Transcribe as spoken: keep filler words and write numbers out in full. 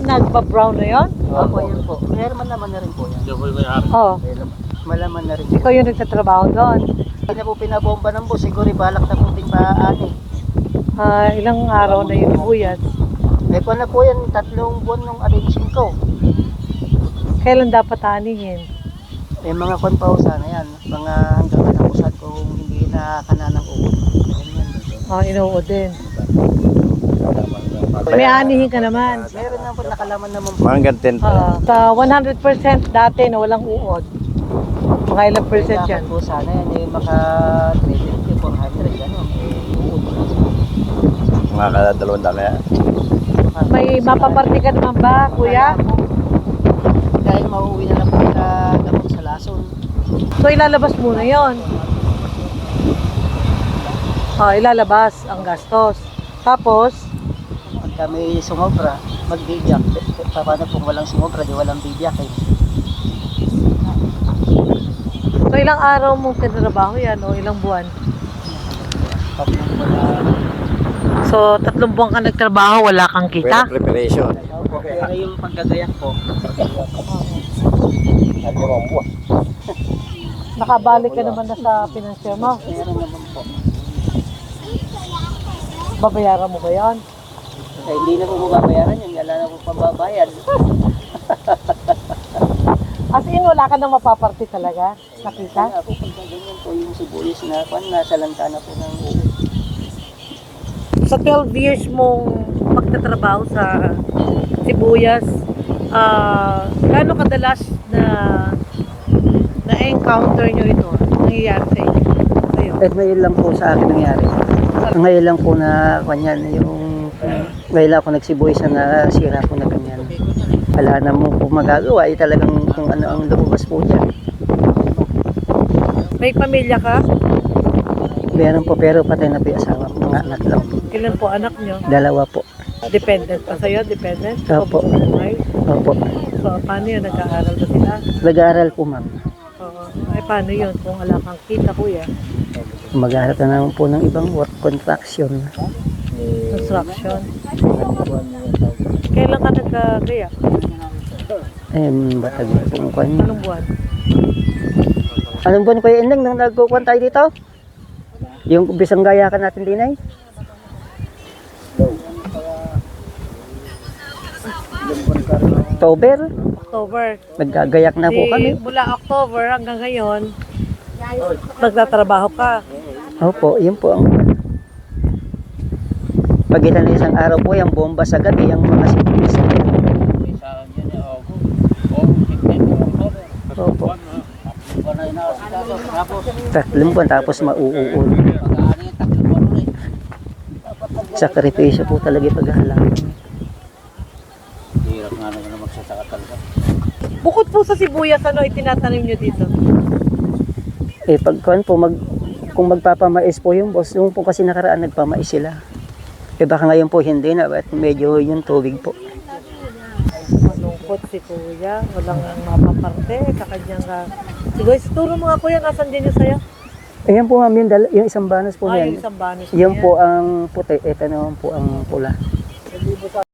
nagpa-brown na yun? Opo, yan po. Pero malaman na rin po yan. Oo. Malaman na rin. Ikaw yung nagtatrabaho doon. Hindi na po pinabomba ng boss. Siguro balak na po ting paani. Ah, ilang araw na yun buyat. Eh kung na po yan, tatlong buwan nung arranging ko. Kailan dapat anihin? Eh mga kwan pa ho sana yan. Mga hanggang katapusan kung hindi na kananang uod. Ganyan. Ah, inuod din. May anihin ka naman. Meron na po nakalaman naman po. Mga hanggang ten. Ah, sa one hundred percent dati na walang uod. Mga ilang percent yan? Kailangan po sana yan. Eh maka three fifty, four hundred. Gano'n. Eh uod na. Mga kadalawang dami yan. May mapaparty ka naman ba, kuya? Dahil mauwi na lang po na gamot sa lason. So ilalabas muna yon. Ah, ilalabas ang gastos. Tapos, Pagka may sumobra, magbibiyak. Paano kung walang sumobra, di walang bibiyak eh. so ilang araw mong tinrabaho yan o ilang buwan? Tatlong wala. So tatlong buwan ka nagtrabaho, wala kang Well, kita? preparation. Pero yung paggagayak ko, Nakabalik ka naman na sa financier mo? meron naman po. Babayaran mo ba yan? Eh, hindi na po mababayaran yun. Wala na po pababayad. As in, wala ka nang mapaparty talaga? Nakita? Kaya po pagkaganyan po yung sibuyas na kwan, nasa lanta na po ng uwi. Sa twelve years mong pagtatrabaho sa sibuyas, ah, gaano kadalas na na-encounter nyo ito? Nangyayari sa inyo? Sa'yo? Eh, ngayon lang po sa akin nangyari. Ngayon lang po na kanyan, yung ngayon lang ako nagsibuyas na nasira po na ganyan. Wala na mo po magagawa, eh, talagang kung ano ang lumabas po dyan. May pamilya ka? Meron po, pero patay na po yung asawa ko, mga anak lang. Ilan po anak nyo? Dalawa po. Dependent pa sa'yo? Dependent? Opo. Pabuhay? Opo. So, paano yun? Nag-aaral ba sila? Nag-aaral po, ma'am. Oo. Ay, paano yun? Kung wala kang kita, kuya? Mag-aaral ka naman po ng ibang work contraction. Construction. Kailan ka nagkagaya? Eh, batag na po kwan. Anong buwan? Anong buwan ko yung ending nang nagkukuhan tayo dito? Yung bisang gaya ka natin din ay? October? October. Naggagayak na po Di, kami. mula October hanggang ngayon, nagtatrabaho ka. Opo, yun po ang pagitan ng isang araw po yung bomba sa gabi, yung mga sibuyas. Opo. Tatlong buwan tapos mauuod. Sakripisyo po talaga yung paghahalaman. Bukod po sa sibuyas, ano itinatanim nyo dito? Eh pagkuhan po, mag, kung magpapamais po yung boss, yung po kasi nakaraan nagpamais sila. Eh baka ngayon po hindi na, at medyo yung tubig po. Malungkot si kuya, walang mapaparte, kakanyang ka. Sige, turo mga kuya, nasan din yung sayo? Ayan po ma'am, yung, dal- yung isang banas po Ay, yan. yung isang banis Yung na yan. po ang puti, ito naman po ang pula.